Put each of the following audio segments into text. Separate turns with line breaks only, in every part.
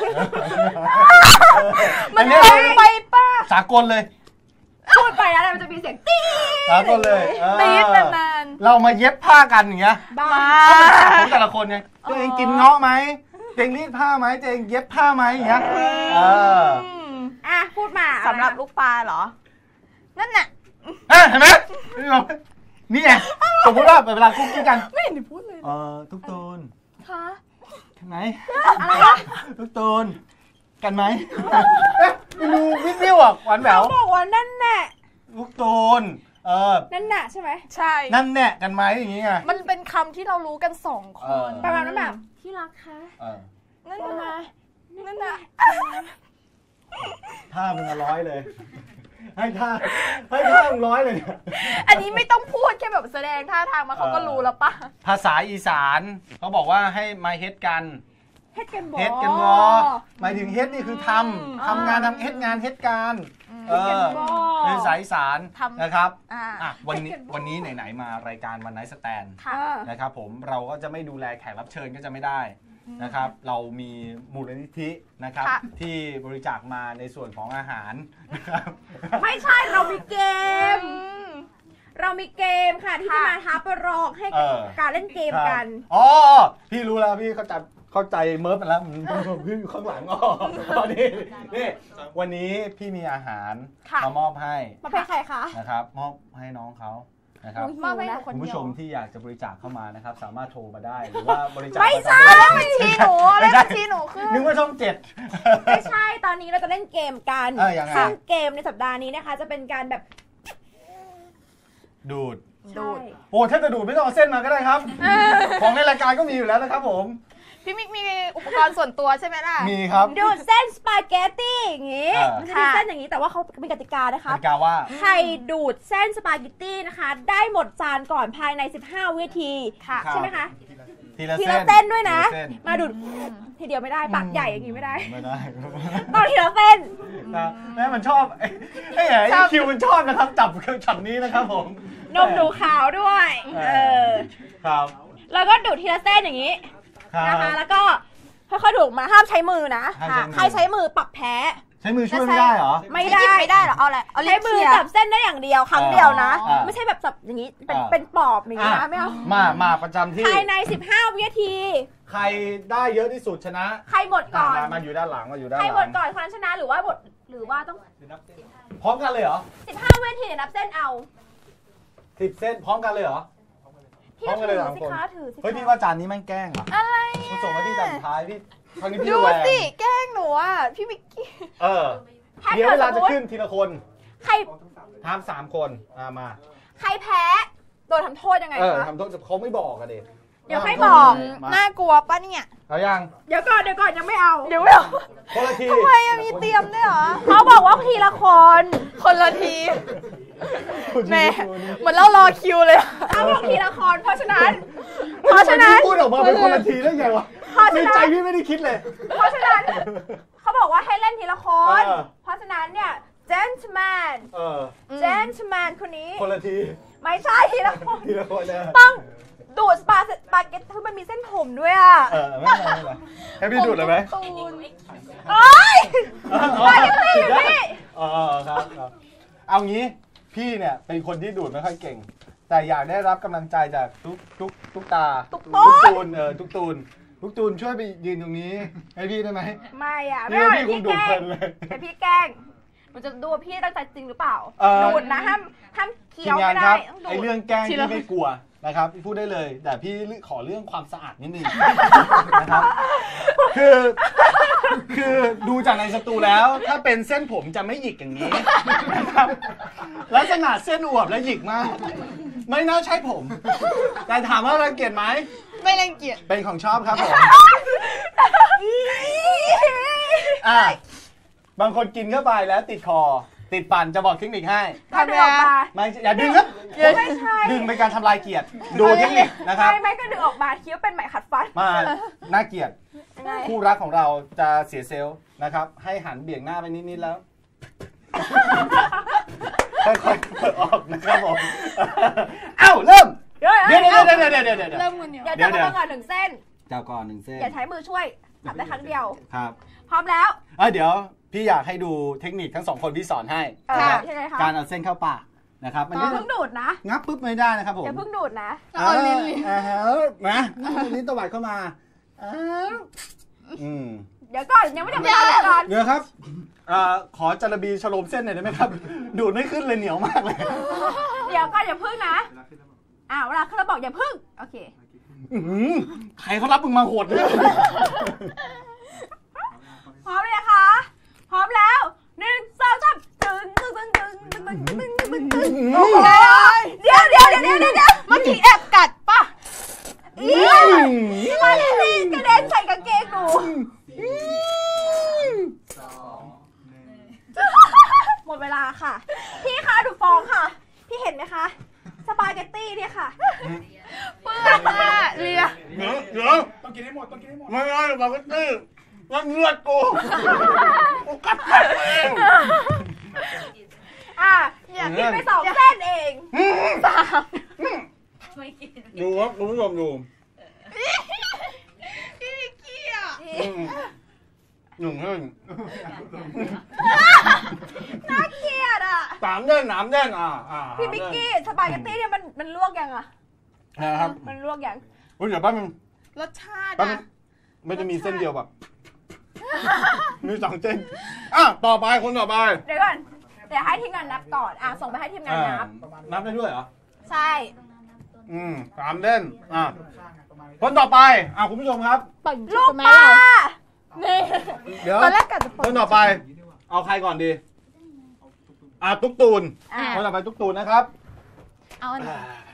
มันแรงไปป่ะ
สากลเลย
พูดไปแล้วมันจะมีเสียงตี๊
สากลเลย
ตี๊ดนาน
เรามาเย็บผ้ากันอย่างเงี้ย
บ้า
ของแต่ละคนไงตัวเองกินเงาะไหมตัวเองรีดผ้าไหมตัวเองเย็บผ้าไหมอย่างเงี้ย
พูดมา
สำหรับลูกปลาเหรอนั่นน่ะ
เห็นไหมนี่ไงสมมติว่าเวลาคุกกี้กัน
ไม่เห็นพูดเลย
ทุกตูน
ค่ะ
กันไหมทุกตูนกันไหมไม่รู้วิวอ่ะหวานแหวว
บอกว่านั่นแหละ
ทุกตูน
นั่นแหละใช่ไหม
ใช่
นั่นแน่กันไหมอย่างงี้ไง
มันเป็นคำที่เรารู้กัน2 คน
ประมาณนั้นแบบที่รักคะ
นั่นนะนั่นนะ
ท่ามึง100เลยให้ท่ามึง100เลย
อันนี้ไม่ต้องพูดแค่แบบแสดงท่าทางมาเขาก็รู้แล้วป่ะ
ภาษาอีสานเขาบอกว่าให้มาเฮ็ดกัน
เฮ็ดกันบ
อหมายถึงเฮ็ดนี่คือทำงานเฮ็ดงานเฮ็ดการเป็นสายอีสานนะครับวันนี้ไหนๆมารายการวันไนท์สแตนด์นะครับผมเราก็จะไม่ดูแลแขกรับเชิญก็จะไม่ได้นะครับเรามีมูลนิธินะครับที่บริจาคมาในส่วนของอาหารนะครับ
ไม่ใช่เรามีเกมค่ะที่จะมาท้าประลองให้การเล่นเกมกัน
พี่รู้แล้วพี่เข้าใจเมิร์ฟแล้วพี่อยู่ข้างหลังนี่วันนี้พี่มีอาหารมามอบให้
มาให้ใครคะ
นะครับมอบให้น้องเขานะครับคุณผู้ชมที่อยากจะบริจาคเข้ามานะครับสามารถโทรมาได้หรือว่าบริจาค
ไม่ใช่
บัญชีหนูแล้วบัญชีหนูคือ
นึกว่าช่อง7
ไม่ใช่ตอนนี้เราจะเล่นเกมกันซึ่งเกมในสัปดาห์นี้นะคะจะเป็นการแบบ
ดูดโอ้ถ้าจะดูดไม่ต้องเอาเส้นมาก็ได้ครับของในรายการก็มีอยู่แล้วนะครับผม
พี่มิกมีอุปกรณ์ส่วนตัวใช่ไหมล่ะ
มีครับ
ดูดเส้นสปาเกตตี้อย่างงี้มันจะมีเส้นอย่างนี้แต่ว่าเขามีกติกานะคะ
กติกาว่า
ใครดูดเส้นสปาเกตตี้นะคะได้หมดจานก่อนภายใน15 วินาทีใช่ไหมคะ
ทีละ
เส้นด้วยนะมาดูดทีเดียวไม่ได้ปากใหญ่อย่างนี้ไม่ได้ต้องทีละเส้น
แม่มันชอบไอ้คิวมันชอบนะครับจับช็อตนี้นะครับผม
นมดูขาวด้วย
ครับ
แล้วก็ดูดทีละเส้นอย่างนี้นะคะแล้วก็ค่อยๆดูดมาห้ามใช้มือนะใครใช้มือปรับแพ้
ใช้มือช่วยไม่ได้เหรอ
ไม่ได้หรอเอาอะไรใช้มือจับเส้นได้อย่างเดียวครั้งเดียวนะไม่ใช่แบบจับอย่างนี้เป็นปอบอย่างนี้นะไม่เอา
มาประจำที่
ภายใน15 วินาที
ใครได้เยอะที่สุดชนะ
ใครหมดก่อน
มาอยู่ด้านหลังใค
รหมดก่อนคนนั้นชนะหรือว่าต้อง
พร้อมกันเลยเหรอ
15 วินาทีนับเส้นเอา
10 เส้นพร้อมกันเลยเหรอ
พร้อมกันเลยสิคะถือสิ
เฮ้ยพี่ว่าจานนี้แม่งแกล้ง
อะไร
มันส่งมาที่จานท้ายพี่ครั้งนี้พี่
ดูสิแกล้งหนูอ่ะพี่มิกกี้
เดี๋ยวเวลาจะขึ้นทีละคน
ใคร
ทำ3 คนมา
ใครแพ้โดนทำโทษยังไงคะ
ทำโทษเขาไม่บอกกันเด็ก
เดี๋ยวให้บอก
น่ากลัวป่ะเนี่ย
เอายัง
เดี๋ยวก่อนยังไม่เอา
คนละที
ทำไมมีเตรียมด้วยเหรอ
เขาบอกว่าทีละ
คนละทีแม่เหมือนเรารอคิวเลย
เขาบอกทีละคนเพราะฉะนั้น
พูดออกมาเป็นคนละทีได้ไงวะในใจพี่ไม่ได้คิดเลย
เพราะฉะนั้นเขาบอกว่าให้เล่นทีละคนเพราะฉะนั้นเนี่ย gentleman คนนี้
คนละที
ไม่ใช่ทีละคน
เนี่ย
ต้องดูดสปาเกตตี้มันมีเส้นผมด้วยอ่ะ
ไม่ให้พี่ดูดเลยไหม
โอ๊ยสปาเกตตี้อยู่นี่
ครับเอางี้พี่เนี่ยเป็นคนที่ดูดไม่ค่อยเก่งแต่อยากได้รับกำลังใจจากทุกตาทุกตูนช่วยไปยืนตรงนี้ให้พี่ได้ไหม
ไม่อ่ะ
ไม่พี่คงดูดเพลินเลย
แต่พี่แกล้งมันจะดูพี่ตั้งใจจริงหรือเปล่าดูดนะห้ามเคี้ยวไม่ได้
ไอเรื่องแกล้งที่ไม่กลัวนะครับพูดได้เลยแต่พี่ขอเรื่องความสะอาดนิดนึงนะครับคือดูจากในสตูแล้วถ้าเป็นเส้นผมจะไม่หยิกอย่างนี้นะครับลักษณะเส้นอวบและหยิกมากไม่น่าใช่ผมแต่ถามว่ารังเกียจไหม
ไม่รังเกียจ
เป็นของชอบครับผมบางคนกินเข้าไปแล้วติดคอติดฟันจะบอกเทคนิคให้
ทำยังไง
ไม่อย่าดึงครับ
ไม่ใช่
ดึงเป็นการทำลายเกียรติดูเทคนิคนะครับ
ไม่ก็ดึงออกมาเคี้ยวเป็นไหมขัดฟัน
มาน่าเกียรติคู่รักของเราจะเสียเซลล์นะครับให้หันเบี่ยงหน้าไปนิดๆแล้วค่อยๆเปิดออกนะครับผมเอ้าเริ่มเดี๋ยว
เริ่มกันเดี๋ยวจับก่อน1 เส้น
จับก่อน1 เส้น
อย่าใช้มือช่วยจับได้ครั้งเดียว
ครับ
พร้อมแล้ว
เดี๋ยวพี่อยากให้ดูเทคนิคทั้ง2คนพี่สอนให้นะครับการเอาเส้นเข้าปากนะครับมัน
อย่าเพิ่งดูดนะ
งับปุ๊บไม่ได้นะครับผม
อย่าเพิ่งดูดนะ
เอาลิ้น
นะลิ้นตวัดเข้ามา
เดี๋ยวก่อนยังไม่ทำเวลาก่อน
เดี๋ยวครับขอจารบีฉลมเส้นหน่อยได้ไหมครับดูดไม่ขึ้นเลยเหนียวมากเลย
เดี๋ยวก่อนอย่าพึ่งนะเวลาเขาบอกอย่าพึ่งโอเค
ใครเขารับมึงมาโหดเลย
พร้อมเลยนะคะพร้อมแล้ว1 2 3ตึงเดี๋ยวเมื่อกี้แอบกัดป่ะมาเลยสิกระเด็นใส่กางเกงหนูหมดเวลาค่ะพี่คะดูฟองค่ะพี่เห็นไหมคะสปาเกตตี้เนี่ยค่ะ
เปื้อนมากเลีย
เดี๋ยวต้องกินให้หมดไม่ได้สปาเกตตี้ว่าเลือดกูกัดเอง
กินไป2 เส้นเอง
ดูครับคุณผู้ชมดู
พี่นิกกี้อ่ะ
1 เส้น
น่าเกลียด
3 เส้น3 เส้น
พี่บิ๊กกี้สปาเกตตี้เนี่ยมันลวกยัง
นะครับ
มันลวกยัง
เดี๋ยวแป๊บนึง
รสชาติ
ไม่จะมีเส้นเดียวแบบมี2 เส้นต่อไปคนต่อไป
เดี๋ยวก่อนเดี๋ยวให้ทีมงานนับก่อนส่งไปให้ทีมงาน
นับได้ด้วยเหรอ
ใช่
3 เส้นคนต่อไปคุณผู้ชมครับ
ลูกปลา
เดี๋ยวตอนแรกกัดคนต่อไปเอาใครก่อนดีตุ๊กตูนคนต่อไปตุ๊กตูนนะครับ
เอาอันไหน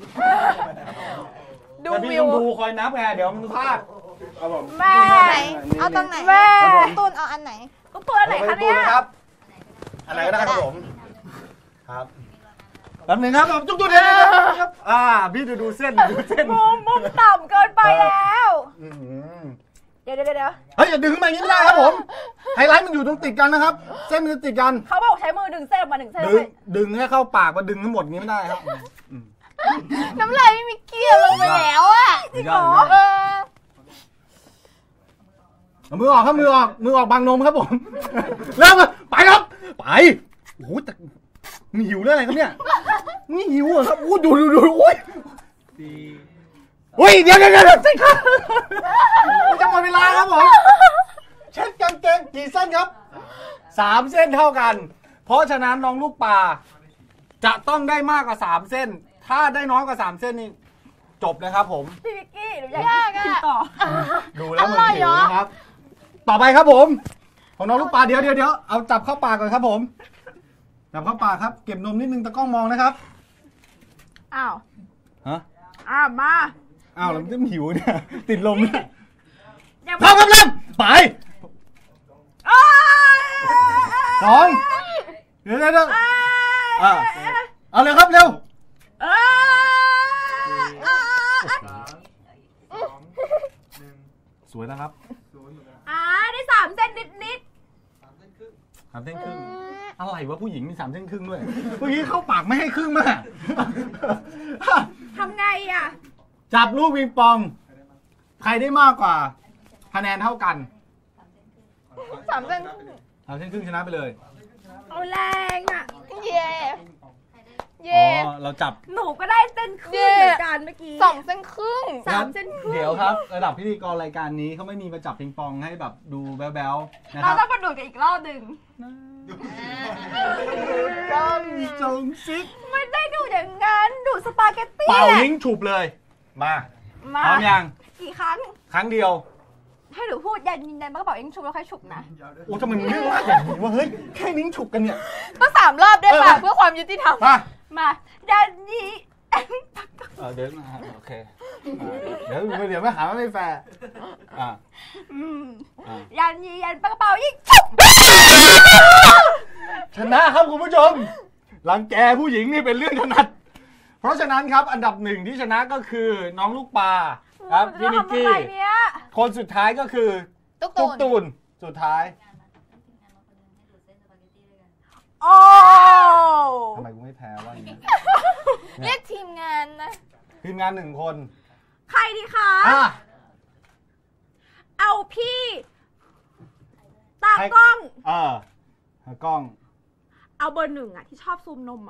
ดูวิวดูคอยนับไงเดี๋ยวมันพลาด
แม่
เอาตรงไหนตูนเอาอันไหน
ตุ๊กตูนไหนคะเนี่ย
อะไรก็ได้ครับผมครับแป๊บนึงครับตุ๊กตูนเดี๋ยวครับพี่ดูเส้น
มุมต่ำเกินไปแล้วเดี๋ยว
เฮ้ยอย่าดึงขึ้นมาอย่างนี้ไม่ได้ครับผมไฮไลท์มันอยู่ตรงติดกันนะครับเส้นมันจะติดกัน
เขาบอกใช้มือดึงเส้นมา1 เส้น
ดึงให้เข้าปากมาดึงทั้งหมดนี้ไม่ได้ครับ
น้ำลายไม่มีเกลี่ยลงไปแล้ว
จริงเหรอ
มือออกครับมือออกบางนมครับผมเริ่มไปครับไปโอ้โหแต่มีหิวเรื่องอะไรครับเนี่ยนี่หิวเหรอครับดูโอ้ยเดี๋ยวเส้นครับมันจะหมดเวลาครับผมเช็ดกางเกงกี่เส้นครับ3 เส้นเท่ากันเพราะฉะนั้นน้องลูกปลาจะต้องได้มากกว่า3 เส้นถ้าได้น้อยกว่า3 เส้นนี่จบนะครับผม
พี่วิกกี้หนูอยากกินต่อ
ดูแล้วมันหิวนะครับต่อไปครับผมของน้องลูกปลาเดี๋ยวเอาจับเข้าปากก่อนครับผมจับเข้าปากครับเก็บนมนิดนึงตะกล้องมองนะครับ
มา
แล้วมันจะหิวเนี่ยติดลมเนี่ยพร้อมครับเริ่มไป2เดี๋ยวเอาเลยครับเร็วสวยนะครับ
ได้3 เส้นนิด
3 เส้นครึ่งอะไรวะผู้หญิงมี3 เส้นครึ่งด้วยเมื่อกี้เข้าปากไม่ให้ครึ่งมาก
ทำไง
จับลูกปิงปองใครได้มากกว่าคะแนนเท่ากัน
3 เส้น
3 เส้นครึ่งชนะไปเลย
เอาแรง
เย่
เราจับ
หนูก็ได้เส้นครึ่งเหมือนกันเมื่อกี้
2 เส้นครึ่ง
3 เส้นครึ่ง
เดี๋ยวครับระดับพิธีกรรายการนี้เขาไม่มีมาจับปิงปองให้แบบดูแบ๊วๆนะค
รับเราต้องมาดูกันอีกรอบหนึ่ง
จงซิก
ไม่ได้ดูอย่างนั้นดูสปาเกตตี้
เป่ายิงฉุบเลยมาพร้อมยัง
กี่ครั้ง
เดียว
ให้หนูพูดยันมันก็บอกยิงฉุบแล้วค่อยฉุบนะ
โอ้ทำไมมึงเรียกว่าอย่างนี้ว่าเฮ้ยแค่นิ้งฉุบกันเนี่ย
ก็3 รอบได้ป่ะเพื่อความยุติธรรม
มายันนี้
เดี๋ยวโอเคเดี๋ยวไม่หาว่าไม่แฟร์
ยันนี้ยันปากกระเป๋ายิงฉุบ
ชนะครับคุณผู้ชมรังแกผู้หญิงนี่เป็นเรื่องถนัดเพราะฉะนั้นครับอันดับ1ที่ชนะก็คือน้องลูกปลาครับพี่นิกกี้คนสุดท้ายก็คือตุ๊กตูนสุดท้ายทำไมกูไม่แพ้วะอย่างนี้
เรียกทีมงานนะ
ทีมงาน1 คน
ใครดีคะเอาพี่ตากล้อง
กล้อง
เอาเบอร์1อ่ะที่ชอบซูมนมอ่ะ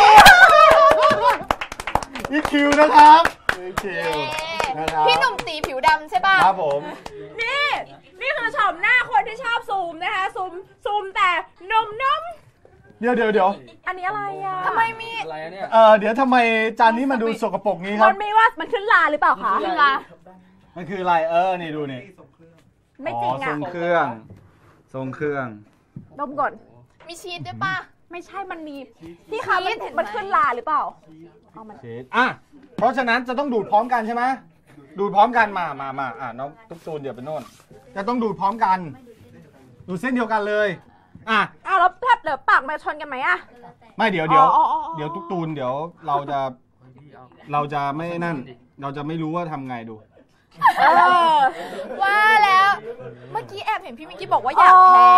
อีคิวนะครับอีคิวนะครับ
พี่หนุ่มตีผิวดำใช่ป่ะ
ครับผม
นี่คือชมหน้าคนที่ชอบซูมนะคะซูมแต่นม
เดี๋ยว
อันนี้อะไรอ่ะ
ทำไมมี
อะไรเนี่ย
เดี๋ยวทำไมจานนี้มันดูสกปรกงี้ครับ
มันไม่ว่ามันขึ้นลาหรือเปล่าคะ
ขึ้นลา
มันคืออะไรนี่ดูนี่
ไม่จริงอ่ะ
ทรงเครื่อง
ดมก่อน
มีชีสด้วยป่ะ
ไม่ใช่มันมีพี่คะมันขึ้นลาหรือเปล่า
ชีสเพราะฉะนั้นจะต้องดูดพร้อมกันใช่ไหมดูดพร้อมกันมาน้องตุ๊กตูนเดี๋ยวไปโน่นจะต้องดูดพร้อมกันดูเส้นเดียวกันเลย
แล้วแทบเดี๋ยวปากมาชนกันไหม
ไม่เดี๋ยวตุ๊กตูนเดี๋ยวเราจะไม่นั่นเราจะไม่รู้ว่าทำไงดู
ว่าแล้วเมื่อกี้แอบเห็นพี่มิกกี้บอกว่าอยากแพ้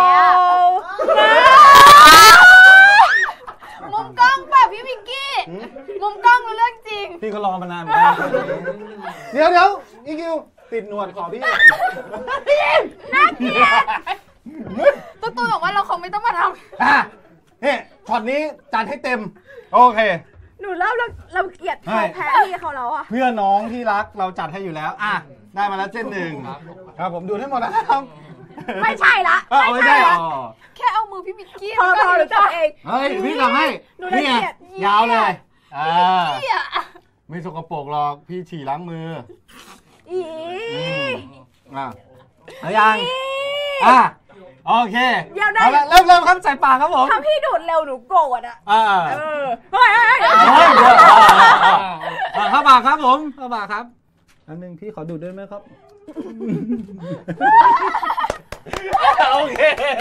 มุมกล้องแบบพี่มิกกี้มุมกล้องรู้เรื่องจริง
พี่ก็รอมานานเดี๋ยวอีคิวติดหนวดขอพี่
น่าเกลียด
ตุ๊กตูนบอกว่าเราคงไม่ต้องมาท
ำช็อตนี้จัดให้เต็มโอเค
หนูเล่าเราเกลียดแพ้พี่เขาแล้ว
เพื่อน้องที่รักเราจัดให้อยู่แล้วได้มาแล้วเส้นหนึ่งครับผมดูให้หมดนะครับ
ไม่ใช่ละ
ไม่ใช่
แค่เอามือพี่มิกกี้
พอหรือจับเอง
เฮ้ยพี่ทำให้นี่ยาวเลยไม่สกปรกหรอกพี่ฉี่ล้างมือยังโอเค
เดี๋ยวได้
เริ่มครับใส่ปากครับผม
ถ้าพี่ดูดเร็วหนูโกรธ
เข้าปากครับผมเข้าปากครับอันนึงพี่ขอดูดด้วยไหมครับโอเค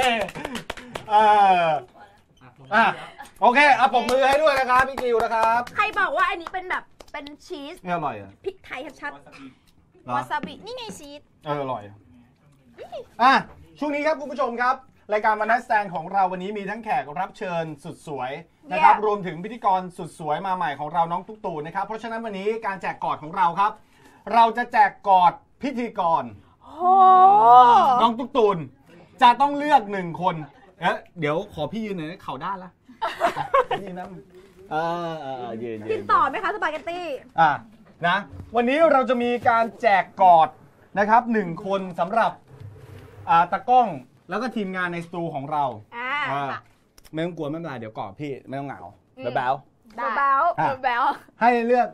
โอเคปรบมือให้ด้วยนะครับพี่กิวนะครับ
ใครบอกว่าอันนี้เป็นแบบเป็นชีส
อร่อยพ
ริกไทยชัด
วาซาบินี่ไงชีส
อร่อยช่วงนี้ครับคุณผู้ชมครับรายการวันนัดแสดงของเราวันนี้มีทั้งแขกรับเชิญสุดสวยนะครับรวมถึงพิธีกรสุดสวยมาใหม่ของเราน้องตุ๊กตูนนะครับเพราะฉะนั้นวันนี้การแจกกอดของเราครับเราจะแจกกอดพิธีกรน้องตุ๊กตูนจะต้องเลือก1คนเดี๋ยวขอพี่ยืนหน่อยเข่าด้านละยืนนะยืน
กินต่อไหมคะสปาเกตตี้
นะวันนี้เราจะมีการแจกกอดนะครับ1คนสำหรับตากล้องแล้วก็ทีมงานในสตูของเราไม่ต้องกลัวไม่เป็นไรเดี๋ยวกอดพี่ไม่ต้องเหงาแบ๊วให้เลือก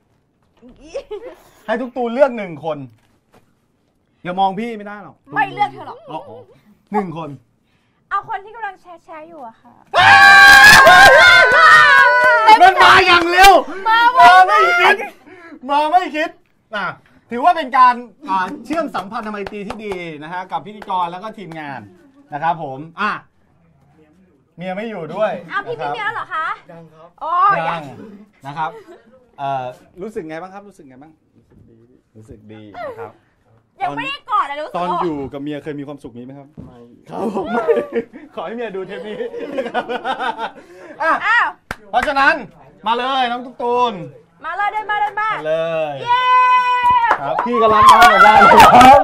ให้ทุกตูนเลือก1คนอย่ามองพี่ไม่ได้หรอก
ไม่เลือกเธอหรอก
1คน
เอาคนที่กำลังแชร์อยู่อะค่ะ
มันมาอย่างเร็วมาไม่คิดถือว่าเป็นการเชื่อมสัมพันธ์ไมตรีที่ดีนะฮะกับพิธีกรแล้วก็ทีมงานนะครับผมเมียไม่อยู่ด้วย
พี่มีเมียแล้วเหรอคะ
ยังครับ
ยังนะครับรู้สึกไงบ้างครับรู้สึกดีนะครับ
ยังไม่ได้กอดเลยรู้สึก
ตอนอยู่กับเมียเคยมีความสุขนี้ไหมครับไม่ครับผมไม่ขอให้เมียดูเทปนี้เพราะฉะนั้นมาเลยน้องตุ๊กตูน
มาเลยเดินมา
เลยเย้ครับพี่กำลังมาเหมือนกันครับ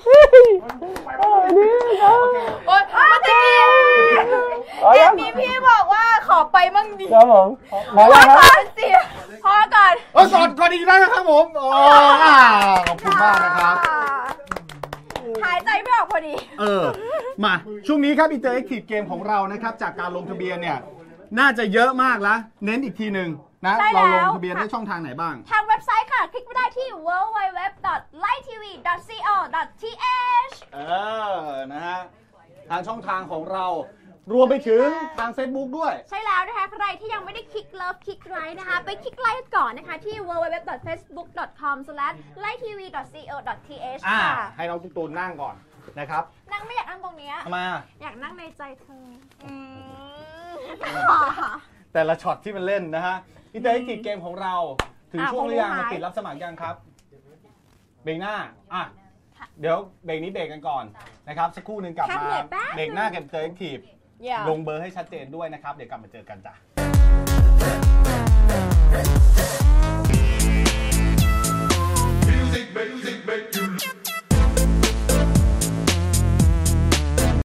โอ๊ยมาตะกี้มีพี่บอกว่าขอไปมั่งดี
ครับผมมาแล้วครับ
พอก่อน
ก่อนอีกแล้วนะครับผมขอบคุณมากนะครับ
หายใจไม่ออกพอดี
มาช่วงนี้ครับInteractive Gameของเรานะครับจากการลงทะเบียนเนี่ยน่าจะเยอะมากแล้วเน้นอีกทีนึงนะเราลงทะเบียนได้ช่องทางไหนบ้าง
ทางเว็บไซต์ค่ะคลิกไปได้ที่ www.lighttv.co.th
นะฮะทางช่องทางของเรารวมไปถึงทาง Facebook ด้วย
ใช่แล้วนะคะใครที่ยังไม่ได้คลิกเลิฟคลิกไลค์นะคะไปคลิกไลค์ก่อนนะคะที่ www.facebook.com/lighttv.co.th ค่ะ
ให้น้องตุ๊กตูนนั่งก่อนนะครับ
นั่งไม่อยากนั่งตรงนี้
มา
อยากนั่งในใจเธอ
แต่ละช็อตที่มันเล่นนะฮะInteractive Gameของเราถึงช่วงหรือยังมาปิดรับสมัครยังครับเบรกหน้าเดี๋ยวเบรกนี้เบรกกันก่อนนะครับสักครู่นึงกลับมาเบรกหน้ากับInteractiveลงเบอร์ให้ชัดเจนด้วยนะครับเดี๋ยวกลับมาเจอกันจ้ะ